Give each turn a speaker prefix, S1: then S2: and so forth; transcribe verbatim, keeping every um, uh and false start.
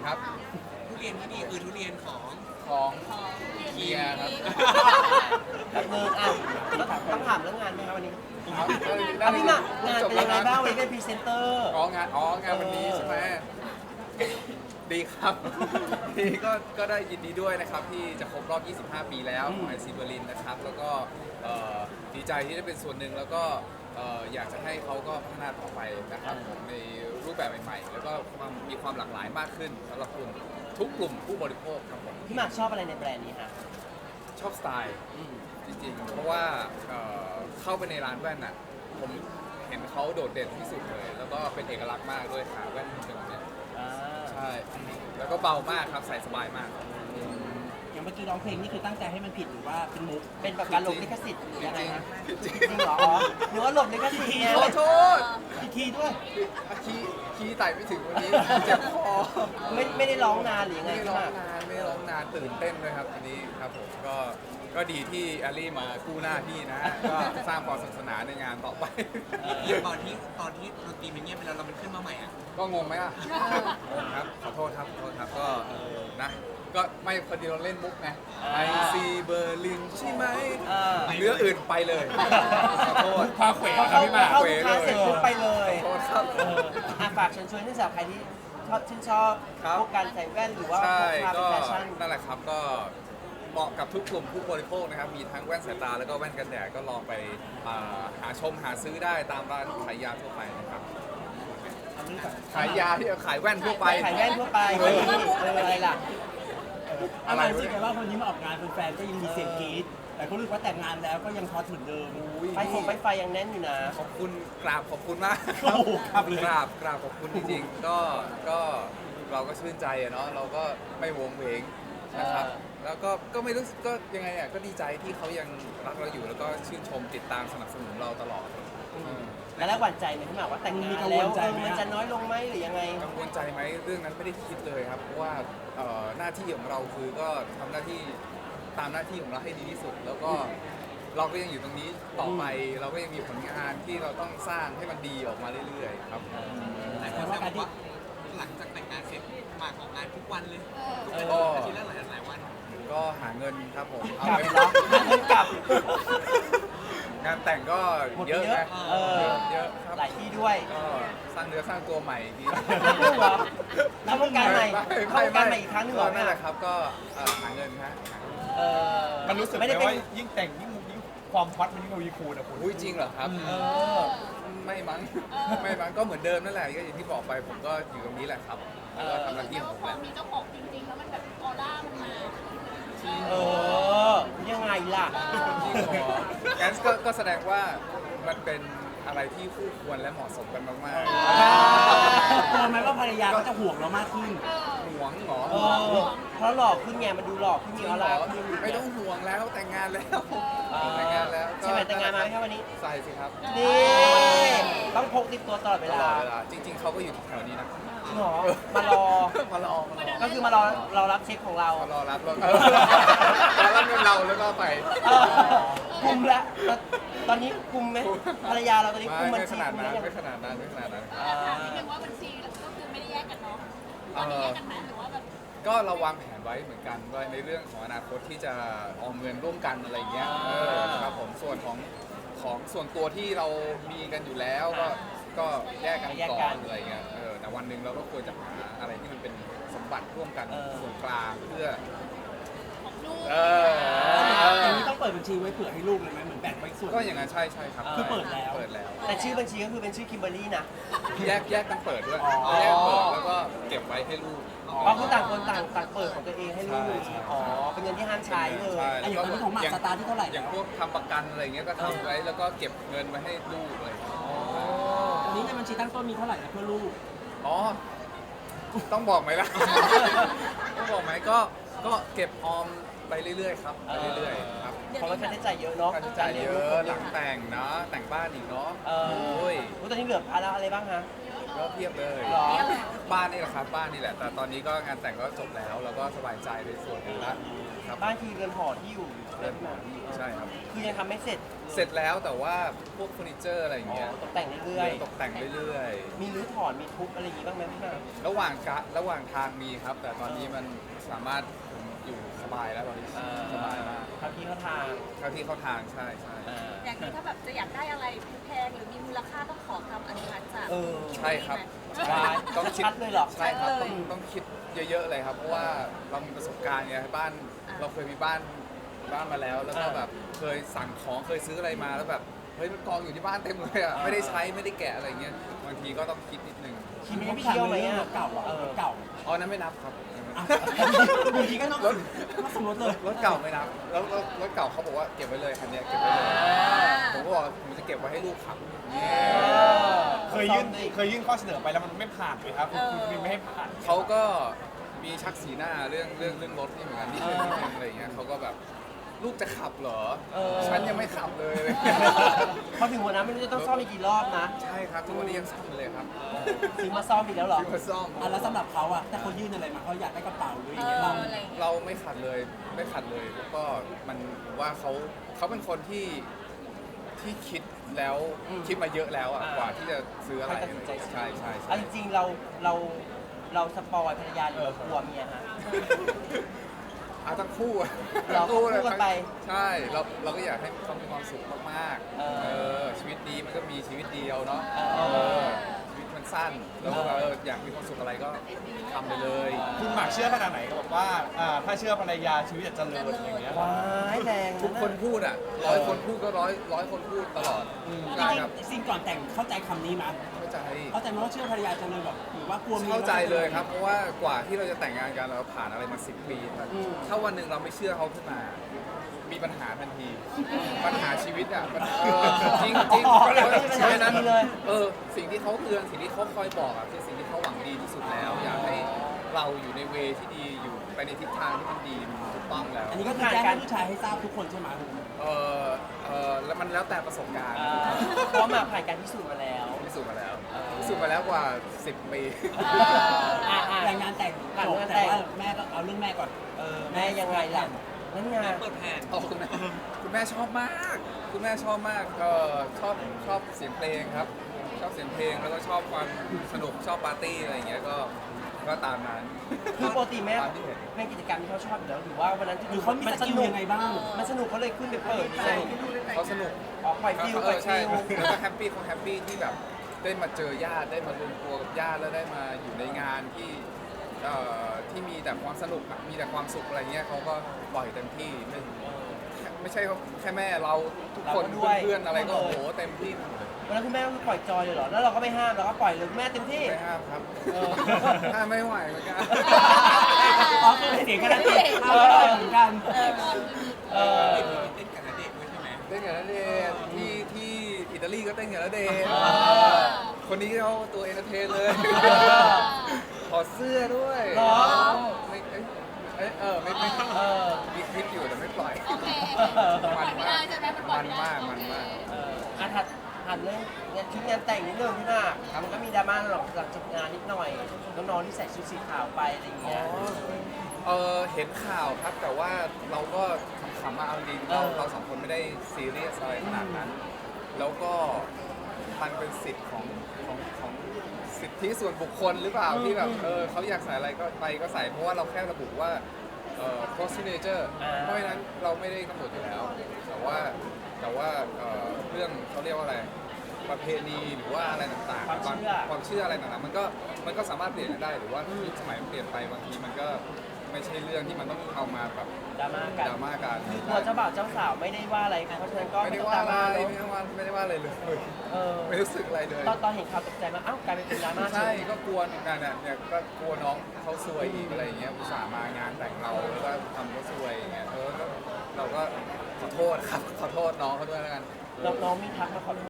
S1: ครับ
S2: ทุเรียนที่นี่คือทุเรียนของ
S1: ของเคียร์ครับ
S3: แบบนึงอ่ะต้องถามเรื่องงานไหมครับวันนี้
S1: ครับ
S3: อ่ะพี่หมากงานเป็นยังไงบ้างวันนี้เป็นพรีเซนเตอร์
S1: อ๋องานอ๋องานวันนี้ใช่ไหมดีครับ ดีก็ก็ได้ยินดีด้วยนะครับที่จะครบรอบ ยี่สิบห้า ปีแล้วของไอซีเบอร์ลินนะครับแล้วก็เอ่อดีใจที่ได้เป็นส่วนหนึ่งแล้วก็เอ่ออยากจะให้เขาก็พัฒนาต่อไปนะครับผมในรูปแบบใหม่ๆ แล้วก็ความมีความหลากหลายมากขึ้นสำหรับกลุ่มทุกกลุ่มผู้บริโภคครับผม
S3: พี่หมากชอบอะไรในแบรนด์นี้ฮะ
S1: ชอบสไตล์จริงๆ เพราะว่าเอ่อเข้าไปในร้านแว่นน่ะผมเห็นเขาโดดเด่นที่สุดเลย แล้วก็เป็นเอกลักษณ์มากด้วยขาแว่นเป็นแบบเนี้ย
S3: อ่า
S1: ใช่แล้วก็เบามากครับใส่สบายมาก
S4: อย่างเมื่อกี้ร้องเพลงนี่คือตั้งใจให้มันผิดหรือว่าเป็นมุก
S3: เป็นแบบการหลบลิขสิทธิ์หรือยังไงฮะ
S1: จริง
S3: จริงเหรออ๋อหรือว่าหลบลิขสิทธิ์ไง
S1: ๆขอโทษ
S4: อีกทีด้วย
S1: คีย์คีย์ไต่ไม่ถึงวันนี้เจ็บคอ
S3: ไม่ไม่ได้ร้องนานหรือยังไง
S1: ไม่ได้
S3: พี่
S1: ร้
S3: ห
S1: อง
S3: มาก
S1: นานไม่ได้ร้องนานตื่นเต้นด้วยครับวันนี้ครับผมก็ก็ดีที่แอลลี่มากู้หน้าพี่นะฮะก็สร้างความสนุกสนานในงานต่อไป
S2: ตอนที่ตอนที่ดนตรีมันเงียบไปแล้วเรามันขึ้นมาใหม่อ่ะ
S1: ก็งงไหมอ่ะงงครับ ขอโทษครับ ขอโทษครับ ก็นะ ก็ไม่พอดีเราเล่นมุกไงไอซีเบอร์ลินใช่ไหม
S3: เออ
S1: เนื้ออื่นไปเลย ขอโทษ
S4: พาเขว
S3: พอ
S4: ครั
S3: เข้า
S4: บพี่หมาก
S3: เข้าลูกค้าเสร็จปุ๊บไปเลย
S1: ขอโทษครับ
S3: เอออ่ะฝากเชิญชวนให้สำหรับใครที่ชอบชื่นชอบ
S1: ครับ
S3: พวกการใส่แว่นหรือว่า
S1: ใช่
S3: พวกความเป็น
S1: ก็
S3: แฟชั่น
S1: นั่นแหละครับ ก็เหมาะกับทุกกลุ่มผู้บริโภคนะครับ มีทั้งแว่นสายตาแล้วก็แว่นกันแดด ก็ลองไปอ่าหาชมหาซื้อได้ตามร้านขายยาทั่วไปนะครับ ขายยาที่ขายแว่นทั่วไป
S3: ขายแว่นทั่วไป
S1: เออ
S3: เอออะไรล่ะ
S4: อะไรรู้สึกไงว่าวันนี้มาออกงานแฟนๆก็ยังมีเสียงกรี๊ดแต่ก็รู้สึกว่าแต่งงานแล้วก็ยังฮอตเหมือนเดิม
S1: อุ๊ย
S3: ไฟฟงไฟไฟยังแน่นอยู่นะ
S1: ขอบคุณกราบขอบคุณมาก
S4: โอ้โหครับเลย
S1: กราบกราบขอบคุณจริงๆ ก็ก็เราก็ชื่นใจอะเนาะเราก็ไม่วงเวงนะครับ
S3: เออ
S1: แล้วก็ก็ไม่รู้สึกก็ยังไงอ่ะก็ดีใจที่เขายังรักเราอยู่แล้วก็ชื่นชมติดตามสนับสนุนเราตลอด
S3: แล้วแล้วหวั่นใจไหมพี่หมากว่าแต่งงาน
S4: มีกังว
S3: แล้ว
S4: ลใจ
S3: เออ
S4: ไหม
S3: มันจะน้อยลงไหมหรือยังไง
S1: กังวลใจไหมเรื่องนั้นไม่ได้คิดเลยครับเพราะว่าเอ่อหน้าที่ของเราคือก็ทำหน้าที่ตามหน้าที่ของเราให้ดีที่สุด แล้วก็เราก็ยังอยู่ตรงนี้ต่อไป เราก็ยังมีผลงานที่เราต้องสร้างให้มันดีออกมาเรื่อยๆครับ
S2: หลายคนแซวบอกว่าหลังจากแต่งงานเสร็จหมากออกงานทุกวันเลยทุก
S3: เอ
S2: อา
S3: อ
S2: ทิตย์อาทิตย์ละหลายหลายวัน
S1: ก็หาเงินครับผมเอา
S3: กลับ
S1: ไป
S3: เหรอหาเงินกลับ
S1: งานแต่งก็
S3: หมด
S1: เย
S3: ไป
S1: อะ
S3: เยอะ
S1: นะ
S3: เออ
S1: เยอะเยอะครับ
S3: หลายที่ด้วย
S1: ก็สร้างเนื้อสร้างตัวใหม่อีกที
S3: ลูกเหรอเข้าวงการใหม่เข้าวงการใหม่อีกครั้งหนึงเหรอ
S1: นั่นแหละครับก็เอ่อหาเงินฮะ
S3: เออ
S5: มันรู้สึกไหม
S3: ไม่ได้เป็น
S5: ว่ายิ่งแต่งยิ่งยิ่งความฮอตมันยิ่งทวีคูณอะคุณ
S1: อุ้ยจริงเหรอครับ
S3: เออ
S1: ไม่มั้งไม่มั้งก็เหมือนเดิมนั่นแหละก็อย่างที่บอกไปผมก็อยู่ตรงนี้แหละครับแล้วก็ทำหน้าที่
S6: แล้ว
S1: ของผม
S6: พ
S1: แห
S6: อ
S1: ละ
S6: มีเจ้าของจริงๆ แล้วมันแบบออร่ามันมา
S3: เออ ยังไงล่ะ
S1: จริงเหรองั้นก็ก็แสดงว่ามันเป็นอะไรที่คู่ควรและเหมาะสมกันมาก
S4: กลัวไหมว่าภรรยาก็จะห่วงเรามากขึ้น
S1: ๆห่วงเหรอ
S3: เออ เพราะหลอกขึ้นไงมันดูหลอกขึ้นมีออร่าขึ้น
S1: ไม่ต้องห่วงแล้วแต่งงานแล้ว
S3: เออ
S1: แต่งงานแล้วก็
S3: ใช่ไหมแต่งงานมาไหมครับวันนี้
S1: ใส่สิครับ
S3: นี่ ต้องพกติดตัวตลอดเว
S1: ต
S3: ลา
S1: ลอดเวลาจริง ๆเขาก็อยู่แถวนี้นะ
S3: จริงเหรอมารอ
S1: มารอมารอ
S3: ก็คือมารอรอรับเช็คของเรา
S1: มารอรับรถเออรอรับเงินเราแล้วก็ไป
S3: เออคุมแล้วตอนนี้คุมไหมภรรยาเราตอนนี้คุม
S1: ไม่
S3: บัญ
S1: ไม่ข
S3: ชี
S1: นาด
S3: คุม
S1: นั้
S3: แล้ว
S1: น
S3: ยัง
S1: ไม่ขนาดนั้นไม่ขนาดนั้น
S3: อ่า
S6: ถามนิดนึงว่าบัญชีก็คือไม่ได้แยกกันเนาะตอนนี้แยกกันไหมหรือว่าแบบ
S1: ก็เราวางแผนไว้เหมือนกันว่าในเรื่องของอนาคตที่จะออมเงินร่วมกันอะไรเงี้ยเออครับผมส่วนของของส่วนตัวที่เรามีกันอยู่แล้วก็ก็แยกกันก่อนอะไรเงี้ยเออแต่วันหนึ่งเราก็ควรจะหาอะไรที่มันเป็นสมบัติร่วมกันส่วนกลางเพื่อ
S6: ของลูก
S1: เออเออ
S4: อย่างนี้ต้องเปิดบัญชีไว้เผื่อให้ลูกเลยไหมเหมือนแบ่งไว้ส่วน
S1: ก็อย่างนั้นใช่ใช่ครับ
S4: คือเปิดแล้ว
S1: เปิดแล้ว
S3: แต่ชื่อบัญชีก็คือเป็นชื่อคิมเบอร์รี่นะ
S1: แยกแยกกันเปิดด้วย
S4: อ๋อ
S1: แยกเปิดแล้วก็เก็บไว้ให้ลูก
S3: เพราะคือต่างคนต่างต่างเปิดของตัวเองให้ลูก
S1: ใช่ใช่
S3: อ๋อ เป็นเงินที่ห้ามใช้เลย
S1: ใช่
S4: อ่ะอย่างตอนนี้ของหมากสตาร์ทที่เท่าไหร่
S1: อย่างพวกทำประกันอะไรเงี้ยก็ทำไว้แล้วก็เก็บเงินไว้ให้ลูกอะไรอย่างเงี้ย
S4: ตอนนี้ในบัญชีตั้งต้นมีเท่าไหร่นะเพื่อลูก
S1: อ๋อ ต้องบอกไหมล่ะ ต้องบอกไหมก็ก็เก็บออมไปเรื่อยๆครับไปเรื่อยๆครับ
S3: เพราะว่าค่าใช้จ่ายเยอะเนาะ
S1: ค่าใช้จ่ายเยอะหลังแต่งเนาะแต่งบ้านอีกเนาะ
S3: เออ
S1: โอ้ย
S3: โอ้ตอนนี้เหลือภาระอะไรบ้างฮะ
S1: ก็เพียบเลย
S3: หรอ
S1: บ้านนี่แหละครับบ้านนี่แหละแต่ตอนนี้ก็งานแต่งก็จบแล้วแล้วก็สบายใจในส่วนหนึงละครับ
S3: บ้านคือเรือนหอที่อยู่เรือนหอที่อยู่
S1: ใช่ครับ
S3: คือยังทำไม่เสร็จ
S1: เสร็จแล้วแต่ว่าพวกเฟอร์นิเจอร์อะไรอย่าง
S3: อ๋อ
S1: เงี้ย
S3: ตกแต่งเรื่อย
S1: ตกแต่งเรื่อย
S3: ๆมีรื้อถอนมีทุบอะไรอย่างงี้บ้างไหมพี่หมาก
S1: ๆ ระหว่างกะระหว่างทางมีครับ แต่ตอนนี้มันสามารถอยู่สบายแล้วตอนนี้สบายมาก
S3: ทำที่เขาทาง
S1: เข้าที่เข้าทางใช่ใช่
S3: อ่า
S6: อย่างนี้ถ้าแบบจะอยากได้อะไรแพงหรือมีมูลค่าต้องขอคำอนุญาตจาก
S3: เออ
S1: ใช่ครับ
S6: ใช่
S1: ใช่ต้องคิด
S3: ชัดเลยเหรอ
S1: ใช่ครับ
S6: ชัดเล
S1: ต้อย งต้องคิดเยอะๆเลยครับ เพราะว่าเรามีประสบการณ์ไงบ้าน
S6: อ่า
S1: เราเคยมีบ้านบ้านมาแล้ว แล้วก็
S3: อ่า
S1: แบบเคยสั่งของเคยซื้ออะไรมาแล้วแบบเฮ้ยมันกองอยู่ที่บ้านเต็มเลยอ่ะไม่ได้ใช้ไม่ได้แกะอะไรเงี้ยบางทีก็ต้องคิดนิดนึง
S3: คิมเขาไปเที่ยวไหมอ่ะ
S4: รถเก่าอะรถเก่า
S1: อ๋อนั้นไม่นับครับ
S4: อ่ะบางทีก็ต้องต้องสมมติเลย
S1: รถเก่าไม่นับแล้วรถรถเก่าเขาบอกว่าเก็บไว้เลยคันเนี้ยเก็บไว้เลยผมก็บอกว่าผมจะเก็บไว้ให้ลูกขับ
S5: เคยยื่นเคยยื่นข้อเสนอไปแล้วมันไม่ผ่านไหมครับคุณคุณไม่ให้ผ่าน
S1: เขาก็มีชักสีหน้าเรื่องเรื่องเรื่องรถนี่เหมือนกันนิดนึงนิดนึงอะไรอย่างเงี้ยเขาก็แบบลูกจะขับเหรอ
S3: เออ
S1: ฉันยังไม่ขับเลย
S3: พอถึงวันนั้นไม่รู้จะต้องซ่อมอีกกี่รอบนะ
S1: ใช่ครับทุกวันนี้ยังซ่อมอยู่เลยครับ
S3: ซื้อมาซ่อมอีกแล้วเหรอ
S1: ซื้อมาซ่อม
S4: อ่ะแล้วสำหรับเขาอะแต่เขายื่นอะไรมาเขาอยากได้กระเป๋าหรืออ
S6: เอย่าง
S4: เงี้ย
S6: อ
S4: เรา
S6: อะไรอย่างเงี้ย
S1: เราไม่ขัดเลยไม่ขัดเลยแล้วก็มันว่าเขาเขาเป็นคนที่ที่คิดแล้ว
S3: อืม
S1: คิดมาเยอะแล้วอะ
S3: อ่าก
S1: ว่าที่จะซื้ออะไร
S3: ให้ตัดสินใจซื้อ
S1: ใช่ใช่
S3: เอา
S1: ใช่
S3: จริงๆเราเราเราสปอยภรรยาหรือเรากลัวเมียฮะ
S1: เอาทั้งคู่อะ
S3: เรา
S1: ทั้งคู่เลย
S3: คู่กันไป
S1: ใช่เราเราก็อยากให้เขามีความสุขมากๆ
S3: เออ
S1: เออชีวิตดีมันก็มีชีวิตเดียวเนาะ
S3: เออ
S1: เออชีวิตมันสั้นแล้วก็เอออยากมีความสุขอะไรก็ทำไปเลย
S5: คุณหมากเชื่อขนาดไหนก็บอกว่าอ่าถ้าเชื่อภรรยาชีวิตจะเจริญอย่างเงี้ย
S3: ว้ายแรง
S1: ทุกคนพูดอ่ะร้อยคนพูดก็ร้อยร้อยคนพูดตลอด
S4: จ
S1: ใช่
S4: ริง
S1: ครับ
S4: ๆสิ่งก่อนแต่งเข้าใจคำนี้มั้ย
S1: เข้าใจ
S4: เข้าใจไหมว่าเชื่อภรรยาจะเลยแบบหรือว่ากลัวมี
S1: เข้าใจเลยครับ เพราะว่ากว่าที่เราจะแต่งงานกันเราผ่านอะไรมาสิบปีครับถ้าวันหนึ่งเราไม่เชื่อเขาขึ้นมา มีปัญหาทันที ปัญหาชีวิตอ่ะมันเออจริงจริงเพราะฉะนั้นเออสิ่งที่เขาเตือนสิ่งที่เขาคอยบอกอ่ะคือสิ่งที่เขาหวังดีที่สุดแล้ว อยากให้เราอยู่ในเวที่ดีอยู่ไปในทิศทางที่มันดีมันถูกต้องแล้ว
S4: อันนี้ก็คือแจ้งให้ผู้ชายให้ทราบทุกคนใช่ไหม
S1: เออเออแล้วมันแล้วแต่ประสบการณ์
S3: อ่าเพราะว่าหมากผ่านการพิสูจน์มาแล้ว
S1: พิสูจน์มาแล้วพิสูจน์มาแล้วกว่าสิบปี
S3: อ่าอ่า
S4: แต่งงานแต่ง
S3: ผ่าน
S4: จบ
S3: งานแต่
S4: แต่
S3: ง
S4: ว่าแม่ก็เอาเรื่องแม่ก่อน
S3: เออแม่ยังไงล่ะนั่นไง
S2: เปิดแผน
S1: อ๋อคุณแม่คุณแม่ชอบมาก คุณแม่ชอบมากก็ชอบชอบเสียงเพลงครับ ชอบเสียงเพลงแล้วก็ชอบความสนุกชอบปาร์ตี้อะไรอย่างเงี้ยก็ก็ตามนั้น
S3: คือปกติแม่
S1: ตามที่เห็น
S3: เป็นกิจกรรมที่เขาชอบอยู่แล้วหรือว่าวันนั้น
S4: หรือเขามีสกิลยังไงบ้าง
S3: มันสนุกเขาเลยขึ้นไปเปิดใช่
S1: เขาสนุก
S3: ออกปล่อยฟิล
S1: เขา
S3: ป
S1: เอ
S3: ล่อย
S1: อใช่
S3: ฟิล
S1: แล้วก็แฮปปี้เขาแฮปปี้ที่แบบได้มาเจอญาติได้มารวมตัวกับญาติแล้วได้มาอยู่ในงานที่เอ่อที่มีแต่ความสนุกอะมีแต่ความสุขอะไรเงี้ยเขาก็ปล่อยเต็มที่ไม่ไม่ใช่แค่แม่เราทุกคนเพื่อนๆอะไรก็โอ้โหเต็มที่หมดเลย
S3: วันนั้นคุณแม่ก็คือปล่อยจอยเลยเหรอแล้วเราก็ไม่ห้ามเราก็ปล่อยเลยคุณแม่เต็มที่
S1: ไม่ห้ามครับ
S3: เออ
S1: ห้ามไม่ไหวเหมือนกัน
S4: อ๋อคือเสียงกันแล้วเอาไม่ได้เหมือนกัน
S3: เออ
S2: เต้นกับณเดชน์ด้วยใช่ไหม
S1: เต้นกับณเดชน์ที่ที่อิตาลีก็เต้นกับณเดชน์
S3: อ่า
S1: คนนี้เขาตัวเอนเตอร์เทนเลย ถอดเสื้อด้วย
S3: เหรอ
S1: ไม่เอ้ยเอ้ยเออไม่ไม่
S3: เออ
S1: มีคลิปอยู่แต่ไม่ปล่อย
S6: โอเคปล่อยไม่ได้ใช่ไหมมันปล่อย
S1: มัน
S6: ไม่ได้
S1: มาก
S6: โอ
S1: มัน
S6: เค
S1: มาก
S3: เอออ่ะถัดถัดเรื่องเนี่ยชุดงานแต่งนิดนึงพี่หมากมันก็มีดราม่าหรอกหลังจบงานนิดหน่อยน้องๆที่ใส่ชุดสีขาวไปอะไรอย่างเงี้ย
S1: เออเห็นข่าวครับแต่ว่าเราก็ขำๆมาเอาจริงเรา
S3: เออ
S1: เราสองคนไม่ได้ซีเรียสอะไรขนาดนั้น แล้วก็มันเป็นสิทธิ์ของของของสิทธิส่วนบุคคลหรือเปล่าที่แบบเออเขาอยากใส่อะไรก็ไปก็ใส่เพราะว่าเราแค่ระบุว่าเอ่อ cross signature เพราะฉะนั้นเราไม่ได้กำหนดอยู่แล้ว แต่ว่าแต่ว่าเอ่อเรื่องเขาเรียกว่าอะไรประเพณีหรือว่าอะไรต่างๆ
S3: ความเชื่อ
S1: ความเชื่ออะไรต่างๆมันก็มันก็สามารถเปลี่ยนกันได้หรือว่ายุคสมัยมันเปลี่ยนไปบางทีมันก็ไม่ใช่เรื่องที่มันต้องเอามาแบบ
S3: ดราม่ากัน
S1: ดราม่ากัน
S3: คือตัวเจ้าบ่าวเจ้าสาวไม่ได้ว่าอะไรเพราะฉะนั้นก็
S1: ไม่
S3: ไม่
S1: ได้
S3: ต้อง
S1: ว่า
S3: ดรา
S1: อะไร
S3: ม่าเน
S1: ไม่
S3: อะ
S1: ได้ว่าไม่ได้ว่าอะไรเลย
S3: เออ
S1: ไม่รู้สึกอะไรเลย
S3: ตอนตอนเห็นข่าวตกใจมากอ้าวกลายเป็นดราม่า
S1: ใช่
S3: เฉย
S1: ก็กลัวเหมือนกันอ่ะเนี่ยก็กลัวน้องเขาซวยอีกอะไรอย่างเงี้ยอุตส่าห์มางานแต่งเราแล้วก็ทำเขาซวยอย่างเงี้ยเออก็เราก็ขอโทษครับขอโทษน้องเขาด้วยแล้วกัน
S3: น้องๆมีทักมาขอโทษ